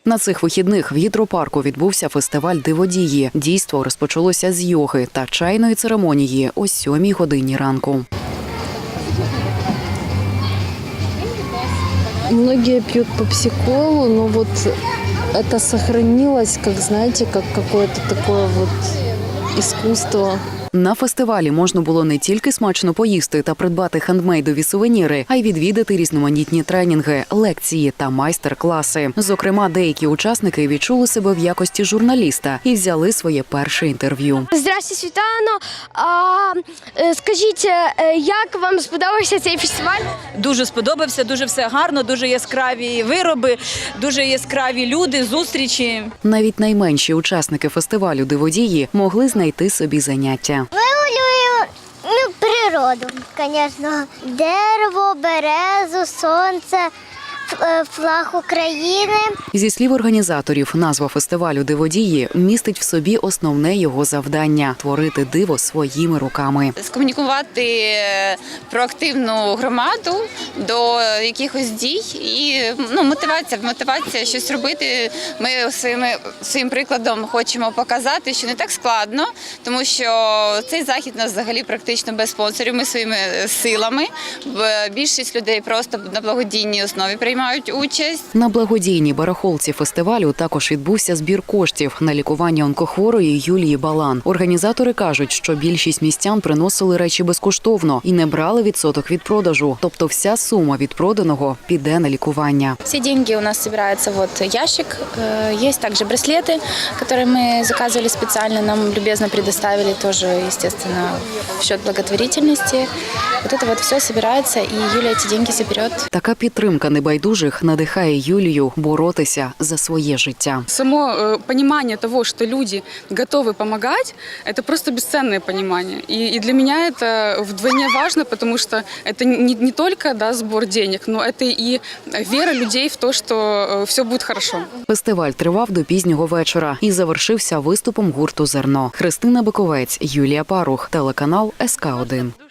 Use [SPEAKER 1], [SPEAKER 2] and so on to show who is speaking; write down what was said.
[SPEAKER 1] На цих вихідних в гідропарку відбувся фестиваль «Диводії». Дійство розпочалося з йоги та чайної церемонії о 7 годині ранку.
[SPEAKER 2] Многие пьют попсиколу, но вот это сохранилось, как, знаете, как какое-то такое вот искусство.
[SPEAKER 1] На фестивалі можна було не тільки смачно поїсти та придбати хендмейдові сувеніри, а й відвідати різноманітні тренінги, лекції та майстер-класи. Зокрема, деякі учасники відчули себе в якості журналіста і взяли своє перше інтерв'ю.
[SPEAKER 3] Здравствуйте, Світлано. Скажіть, як вам сподобався цей фестиваль?
[SPEAKER 4] Дуже сподобався, дуже все гарно, дуже яскраві вироби, дуже яскраві люди, зустрічі.
[SPEAKER 1] Навіть найменші учасники фестивалю «Диводії» могли знайти собі заняття.
[SPEAKER 5] Вималюю природу, звісно. Дерево, березу, сонце, флаг України.
[SPEAKER 1] Зі слів організаторів, назва фестивалю «Диводії» містить в собі основне його завдання – творити диво своїми руками.
[SPEAKER 6] Скомунікувати проактивну громаду до якихось дій і мотивація щось робити. Ми своїм прикладом хочемо показати, що не так складно, тому що цей захід у нас взагалі практично без спонсорів. Ми своїми силами, більшість людей просто на благодійній основі приймають участь.
[SPEAKER 1] На благодійній барахолці фестивалю також відбувся збір коштів на лікування онкохворої Юлії Балан. Організатори кажуть, що більшість містян приносили речі безкоштовно і не брали відсоток від продажу. Тобто вся сума від проданого піде на лікування.
[SPEAKER 7] Все деньги у нас собирается вот ящик. Есть также браслеты, которые мы заказывали специально, нам любезно предоставили тоже, естественно, в счет благотворительности. Вот это вот все собирается, и Юля эти деньги заберет.
[SPEAKER 1] Така підтримка небайдужих надихає Юлію боротися за своє життя.
[SPEAKER 8] Само понимание того, что люди готовы помогать, это просто бесценное понимание. И для меня это вдвойне важно, потому что это не только сбор денег, но это и вера людей в то, что все будет хорошо.
[SPEAKER 1] Фестиваль тривав до пізнього вечора і завершився виступом гурту «Зерно». Христина Биковець, Юлія Парух, телеканал СК1.